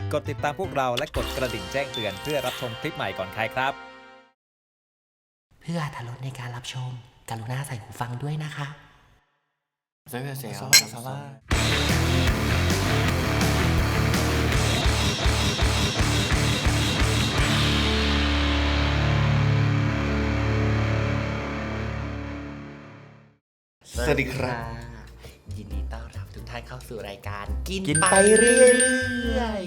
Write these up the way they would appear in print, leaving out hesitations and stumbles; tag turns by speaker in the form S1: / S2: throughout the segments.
S1: กดติดตามพวกเราและกดกระดิ่งแจ้งเตือนเพื่อรับชมคลิปใหม่ก่อนใครครับ
S2: เพื่ออรรถรสในการรับชมกรุณาใส่หูฟังด้วยนะคะ
S3: สวัสดีครับ
S2: ยินดีต้อนรับทุกท่านเข้าสู่รายการกิน
S3: ไปเรื่อย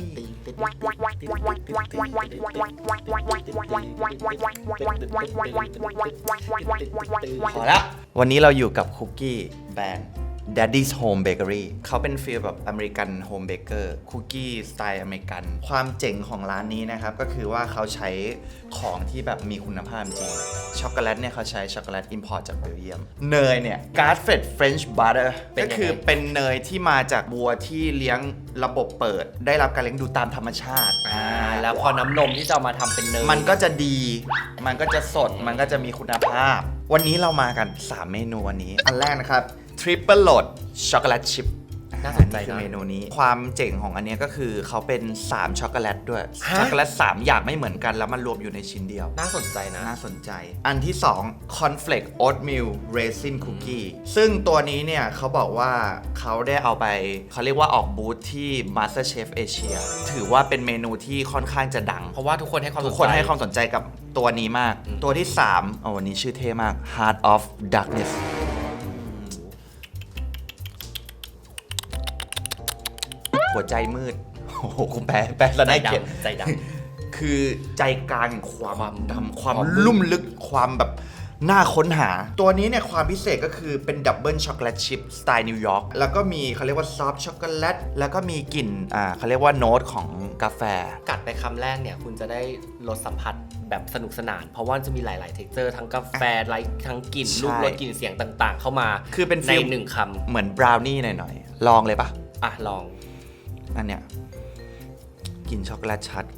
S3: พอแล้ววันนี้เราอยู่กับคุกกี้แบรนด์ Daddy's Home Bakery เขาเป็นฟีลแบบอเมริกันโฮมเบเกอร์คุกกี้สไตล์อเมริกัน ความเจ๋งของร้านนี้นะครับก็คือว่าเขาใช้ของที่แบบมีคุณภาพจริงช็อกโกแลตเนี่ยเขาใช้ช็อกโกแลตอิมพอร์ตจากเบลเยียมเนยเนี่ย Grass-fed French Butter ก็คือเป็นเนยที่มาจากวัวที่เลี้ยงระบบเปิดได้รับการเลี้ยงดูตามธรรมชาติ
S2: แล้วพอน้ำนมที่จะเอามาทำเป็นเนย
S3: มันก็จะดีมันก็จะสดมันก็จะมีคุณภาพวันนี้เรามากัน3เมนูวันนี้อันแรกนะครับTriple Load ช็อกโกแลตชิพ
S2: น่าสนใจนะ
S3: เมนูนี้ความเจ๋งของอันนี้ก็คือเขาเป็น3ช็อกโกแลตด้วยช็อกโกแลต3อย่างไม่เหมือนกันแล้วมันรวมอยู่ในชิ้นเดียว
S2: น่าสนใจนะ
S3: น่าสนใจอันที่2 Cornflake Oatmeal Raisin Cookie ซึ่งตัวนี้เนี่ยเขาบอกว่าเขาได้เอาไปเขาเรียกว่าออกบูธที่ MasterChef Asia ถือว่าเป็นเมนูที่ค่อนข้างจะดัง
S2: เพราะว่าทุกคนให้ความ
S3: สนใจกับตัวนี้มากตัวที่3วันนี้ชื่อเท่มาก Heart of Darknessหัวใจมืดโอ้โหคุณแปลซะได้เกียรติ
S2: ใจด
S3: ำคือใจกลางความดำความลุ่มลึกความแบบน่าค้นหาตัวนี้เนี่ยความพิเศษก็คือเป็นดับเบิลช็อกโกแลตชิพสไตล์นิวยอร์กแล้วก็มีเขาเรียกว่าซอฟต์ช็อกโกแลตแล้วก็มีกลิ่นเขาเรียกว่าโน้ตของกาแฟ
S2: กัดไปคำแรกเนี่ยคุณจะได้รสสัมผัสแบบสนุกสนานเพราะว่าจะมีหลายๆเท็กเจอร์ทั้งกาแฟทั้งกลิ่นรูปรสกลิ่นเสียงต่างๆเข้ามา
S3: คือเป็น
S2: ในหนึ่งคำ
S3: เหมือนบราวนี่หน่อยๆลองเลยปะ
S2: ลอง
S3: อันเนี้ยกินช็อกโกแลตชัด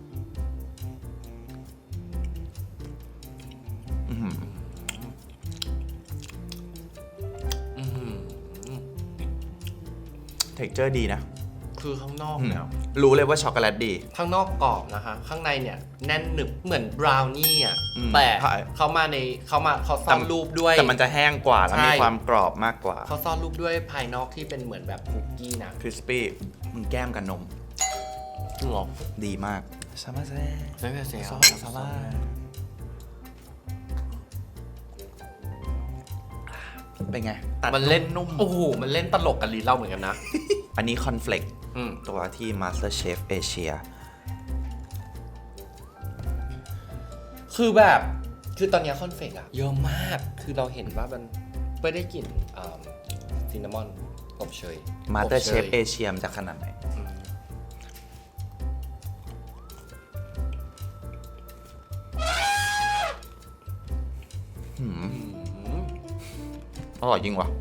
S3: เท็กเจอร์ดีนะ
S2: คือข้างนอกเนี่ย
S3: รู้เลยว่าช็อกโกแลตดี
S2: ข้างนอกกรอบนะคะข้างในเนี่ยแน่นหนึบเหมือนบราวนี่อ่ะแต่เขาซ่อนรูปด้วย
S3: แต่มันจะแห้งกว่าแล้วมีความกรอบมากกว่า
S2: เขาซ่อนรูปด้วยภายนอกที่เป็นเหมือนแบบคุกกี้นะ
S3: คริสปี้มึงแก้มกับนม
S2: หรอ
S3: ดีมากซามาเซ่ซาบาเป็นไง
S2: มันเล่นนุ่มโอ้โหมันเล่นตลกกับลิ้นเราเหมือนกันนะ
S3: อันนี้คอนเฟลกตัวที่ MasterChef Asia
S2: คือตอนนี้คอนเฟลกอะเยอะมากคือเราเห็นว่ามันไม่ได้กลิ่นซินนามอนอบเชย
S3: MasterChef Asia มันจะขนาดไหนอร่อยจริงว่ะ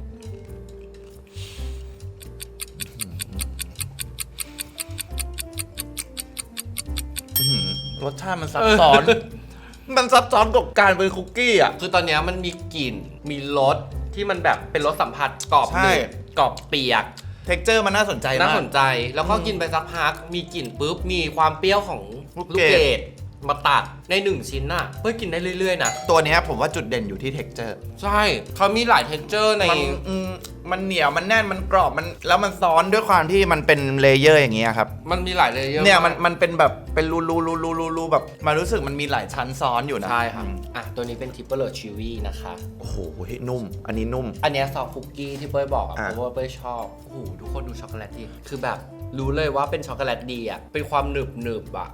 S3: รสชาติมันซับซ้อน มันซับซ้อนกับการเป็นคุกกี้อ่ะ
S2: คือตอนนี้มันมีกลิ่นมีรสที่มันแบบเป็นรสสัมผัสกรอบหนึบกรอบเปียก
S3: เท็กเจอร์มันน่าสนใจมาก
S2: น่าสนใจแล้วก็กินไปสักพักมีกลิ่นปุ๊บมีความเปรี้ยวของลูกเกดมาตัดใน1ชิ้นน่ะเพื่อกินได้เรื่อยๆนะ
S3: ตัวนี้ผมว่าจุดเด่นอยู่ที่เท็กเจอร์
S2: ใช่เขามีหลายเท็กเจอร์ใน
S3: มันเหนียวมันแน่นมันกรอบมันแล้วมันซ้อนด้วยความที่มันเป็นเลเยอร์อย่างเงี้ยครับ
S2: มันมีหลายเลเยอร์
S3: เนี่ยมันเป็นแบบเป็นรูแบบมันรู้สึกมันมีหลายชั้นซ้อนอยู่นะ
S2: ใช่ครับตัวนี้เป็นทิปเปอร์โรชิวี่นะคะ
S3: โอ้โหนุ่มอันนี้นุ่ม
S2: อันนี้ซอฟต์คุกกี้ที่เป้ยบอกเพราะว่าเป้ยชอบโอ้โหทุกคนดูช็อกโกแลตดิคือแบบรู้เลยว่าเป็นช็อกโกแลตดีอ่ะเป็นความหนึบอ่ะ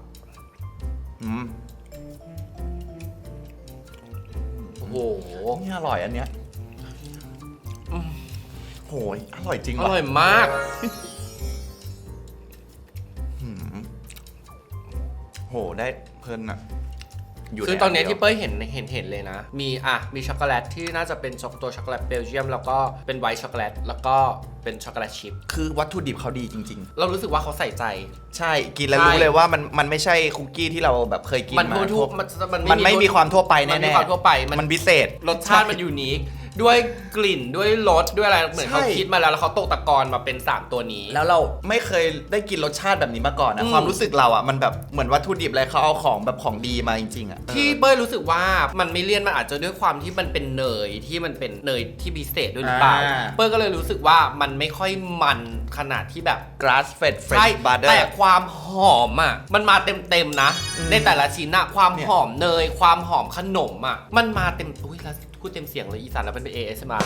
S2: โอ้โห
S3: นี่อร่อยอันเนี้ยโหยอร่อยจริง
S2: อร่อยมาก
S3: โหได้เพลินอ่ะ
S2: คือตอนนี้ที่เป้ยเห็นเลยนะมีช็อกโกแลตที่น่าจะเป็นตัวช็อกโกแลตเบลเยียมแล้วก็เป็นไวท์ช็อกโกแลตแล้วก็เป็นช็อกโกแลตชิพ
S3: คือวัตถุดิบเขาดีจริง
S2: ๆเรารู้สึกว่าเขาใส่ใจ
S3: ใช่กินแล้วรู้เลยว่ามันไม่ใช่คุกกี้ที่เราแบบเคยกินมา
S2: มันไม่
S3: มีความทั่วไปแน่ๆ
S2: มันไม่มีความทั่วไป
S3: มันพิเศษ
S2: รสชาติมันยูนิคด้วยกลิ่นด้วยรสด้วยอะไรเหมือนเขา
S3: ใช่
S2: คิดมาแล้วเขาตกตะกอนมาเป็น 3 ตัวนี้
S3: แล้วเราไม่เคยได้กินรสชาติแบบนี้มาก่อนนะ
S2: อืม
S3: ความรู้สึกเราอ่ะมันแบบเหมือนวัตถุดิบอะไรเขาเอาของแบบของดีมาจริงๆอ่ะ
S2: ที่เป้ยรู้สึกว่ามันไม่เลี่ยนมันอาจจะด้วยความที่มันเป็นเนยที่มันเป็นเนยที่พิเศษด้วยหรือเปล่าเป้ยก็เลยรู้สึกว่ามันไม่ค่อยมันขนาดที่แบบ
S3: grass fed
S2: ใช่
S3: fresh butter
S2: แต่ความหอมอ่ะมันมาเต็มๆนะ ในแต่ละชิ้นอะความ
S3: เนี่ย
S2: หอมเนยความหอมขนมอ่ะมันมาเต็มอุ้ยแล้วพูดเต็มเสียงเลยอีสานแล้วเป็น ASMR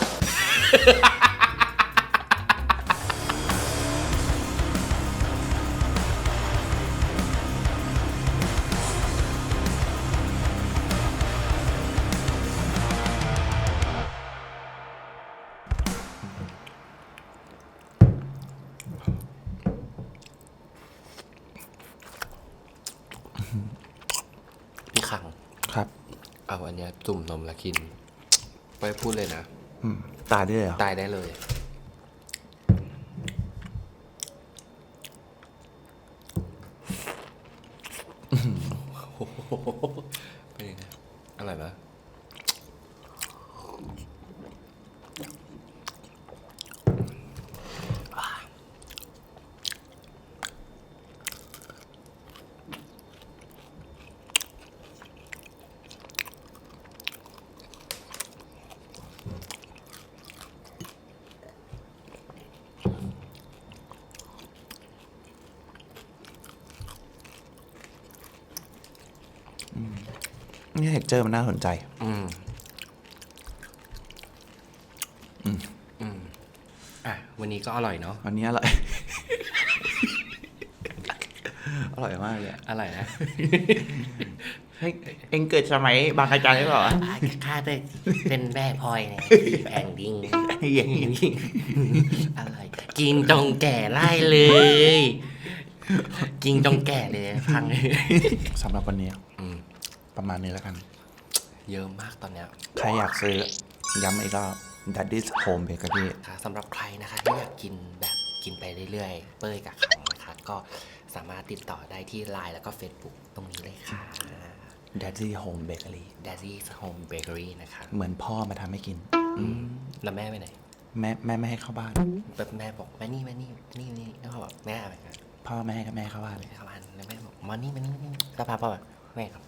S2: พี่คัง
S3: ครับ
S2: เอาอันเนี้ยจุ่มนมแล้วกินไปพูดเลยนะ
S3: ตายด้วยเหรอ
S2: ตายได้เลย เป็นยังไงอร่อยไหม
S3: นี่เท็กเจอร์มันน่าสนใจ
S2: อ่ะวันนี้ก็อร่อยเนาะ
S3: วันนี้อร่อย อร่อยมากเลย
S2: อร่อยนะ
S3: เฮ้ยเอ็งเกิดสมัยบางอาจารย์หรือเปล่า
S4: ข้าเป็นแม่พลอยเนี่ยแองดิ้ง
S3: อย่างนี้
S4: อะไรกินจงแก่ไล่เลย กินจงแก่เลยพังเลย
S3: สำหรับวันนี้
S2: อืม
S3: ประมาณนี้แล้วกัน
S2: เยอะมากตอนเนี้ย
S3: ใครอยากซื้อ ย้ำอีกรอบ Daddy's Home Bakery
S4: ค่ะสำหรับใครนะคะที่อยากกินแบบกินไปเรื่อยๆ เป้ยกับขังนะคะ ก็สามารถติดต่อได้ที่ LINE แล้วก็ Facebook ตรงนี้เลยค่ะ
S3: Daddy Home Bakery
S4: Daddy's Home Bakery นะคะ
S3: เหมือนพ่อมาทำให้กิน
S2: แล้วแม่ไปไหน
S3: แม่ไม่ให้เข้าบ้าน
S4: แบบแม่บอกแม่นี่แล้วเขาบอกแม่อะไรกัน
S3: พ่อแม่กับแม่เข้าบ้านเลย
S4: เข้าบ้านแล้วแม่บอกมานี่แล้วพาพ่อแบบแม่ครับ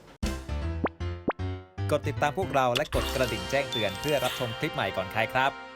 S1: กดติดตามพวกเราและกดกระดิ่งแจ้งเตือนเพื่อรับชมคลิปใหม่ก่อนใครครับ